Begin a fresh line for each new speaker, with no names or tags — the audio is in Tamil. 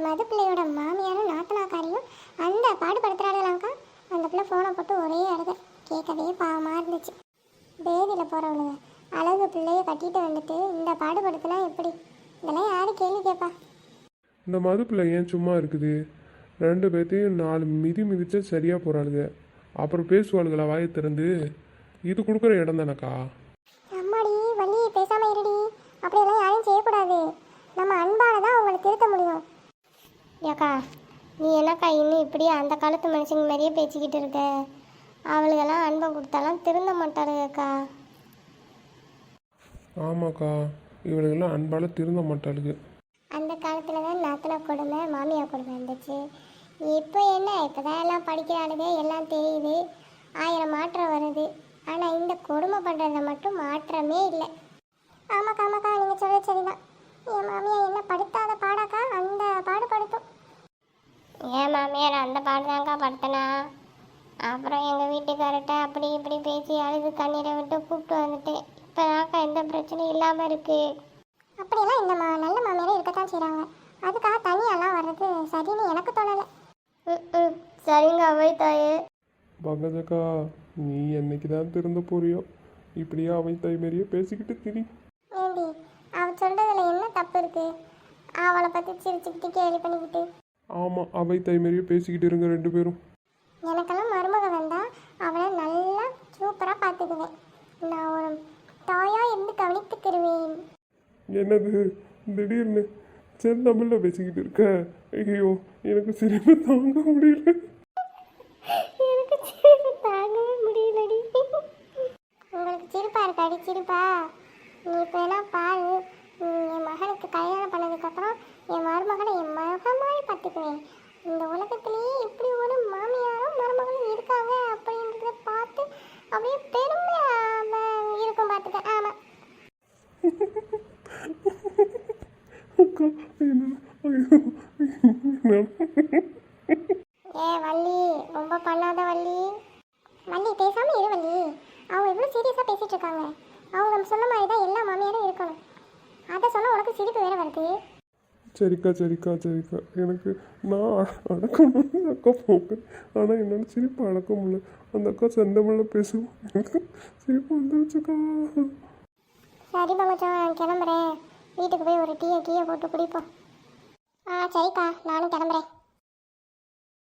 மது பிள்ளையோட மாமியாரும் நாத்தனாக்காரியும் அந்த பாடுபடுத்துறாங்களாக்கா. அந்த பிள்ளை ஃபோனை போட்டு ஒரே அழுக. கேட்கவே பாவமாக இருந்துச்சு. பேதியில் போகிறவளுங்க அழகு பிள்ளைய கட்டிட்டு வந்துட்டு இந்த பாடுபடுத்தினா எப்படி? இதெல்லாம் யாரு கேள்வி கேட்பா?
இந்த மது பிள்ளை ஏன் சும்மா இருக்குது? ரெண்டு பேர்த்தையும் 4 மிதி மிதிச்சா சரியாக போகிறாளுங்க. அப்புறம் பேசுவாளுங்களா வாயை திறந்து? இது கொடுக்குற இடம் தானக்கா.
அம்மாடி வள்ளி, பேசாமல் இருடி. அப்படியெல்லாம் யாரையும் செய்யக்கூடாது. நம்ம அன்பால தான் அவங்களை திருத்த முடியும். ஏக்கா நீ என்னக்கா இன்னும் இப்படி அந்த காலத்து மனுஷங்க மாதிரியே பேசிக்கிட்டு இருக்க? அவளுக்கெல்லாம் அன்பை கொடுத்தாலாம் திருந்த மாட்டாளுங்கக்கா.
ஆமாக்கா, இவளுக்கெல்லாம் அன்பால் திருந்த மாட்டாளுங்க.
அந்த காலத்தில் தான் நாத்தனா கொடுமை மாமியார் கொடுமை இருந்துச்சு. இப்போ என்ன, இப்போ தான் எல்லாம் படிக்கிறாளுங்க, எல்லாம் தெரியுது, 1000 மாற்றம் வருது. ஆனால் இந்த கொடுமை பண்ணுறத மட்டும் மாற்றமே இல்லை. ஆமாக்கா ஆமாக்கா, நீங்கள் சொல்கிறது சரிதான். என் மாமியார் என்ன படுத்தாத பாடாக்கா, அந்த பாடு படுத்தும். ஏன் மாமியார் அந்த பாடு தாங்க்கா படுத்தனா? அப்புறம் எங்கள் வீட்டுக்காரர்கிட்ட அப்படி இப்படி பேசி அழுது கண்ணீரை விட்டு கூப்பிட்டு வந்துட்டேன். இப்போ தான்க்கா எந்த பிரச்சனையும் இல்லாமல் இருக்குது. அப்படியெல்லாம் இந்த நல்ல மாமியாரே இருக்கத்தான் செய்கிறாங்க. அதுக்காக தனியெல்லாம் வர்றது சரின்னு எனக்கு தோணலை. சரிங்க அவை தாயே.
பங்கஜக்கா, நீ என்னைக்கு தான் திருந்த போறியோ? இப்படியே அவை தாய் மாரியே பேசிக்கிட்டு திரி.
ஏண்டி, அவள் சொல்கிறதுல என்ன தப்பு இருக்குது? அவளை பற்றி சிரிச்சுக்கிட்டு கேள்வி பண்ணிக்கிட்டு.
ஆமாம், அவை தாய் மாரியே பேசிக்கிட்டு இருங்க ரெண்டு பேரும்.
எனக்கெல்லாம் மருமக வந்தால் அவளை நல்லா சூப்பராக பார்த்துக்குவேன். நான் ஒரு தாயாக இருந்து கவனித்துக்கிடுவேன்.
என்னது திடீர்னு செந்தமிழில் பேசிக்கிட்டு இருக்க? ஐயோ, எனக்கு சிரிப்பு தாங்க முடியல.
எனக்கு சிரிப்பு தாங்கவே முடியலடி. உங்களுக்கு சிரிப்பா இருக்காடி? சிரிப்பா? நீ இப்போ என்ன பாரு, என் மகனுக்கு கல்யாணம் பண்ணதுக்கப்புறம் என் மருமகனை என் மகமாய் பார்த்துக்குவேன். இந்த உலகத்திலேயே இப்படி ஒரு மாமியாரும் மருமகளும் இருக்காங்க அப்படின்றத பார்த்து அப்படியே பெருமையாக இருக்கும் பார்த்துக்க. ஆமாம். ஏ வள்ளி, ரொம்ப பண்ணாத வள்ளி. வள்ளி பேசாம இரு வள்ளி. அவங்க எவ்வளோ சீரியஸாக பேசிட்டு இருக்காங்க. அவங்க நம்ம சொன்ன மாதிரி தான் எல்லா மாமியாரும் இருக்கணும். அதை சொன்னால் உனக்கு சிரிப்பு வேற வருது.
சரிக்கா சரிக்கா சரிக்கா, எனக்கு நான் அடக்கணும்னு அக்கா போங்க. ஆனால் என்னால் சிரிப்பு அடக்க முடியல. அந்த அக்கா செந்தமிழில் பேசுவோம், எனக்கு சிரிப்பு வந்துருச்சுக்கா.
சரி மச்சான், நான் கிளம்புறேன். வீட்டுக்கு போய் ஒரு டீயை போட்டு குடிப்போம். சரிக்கா, நானும் கிளம்புறேன்.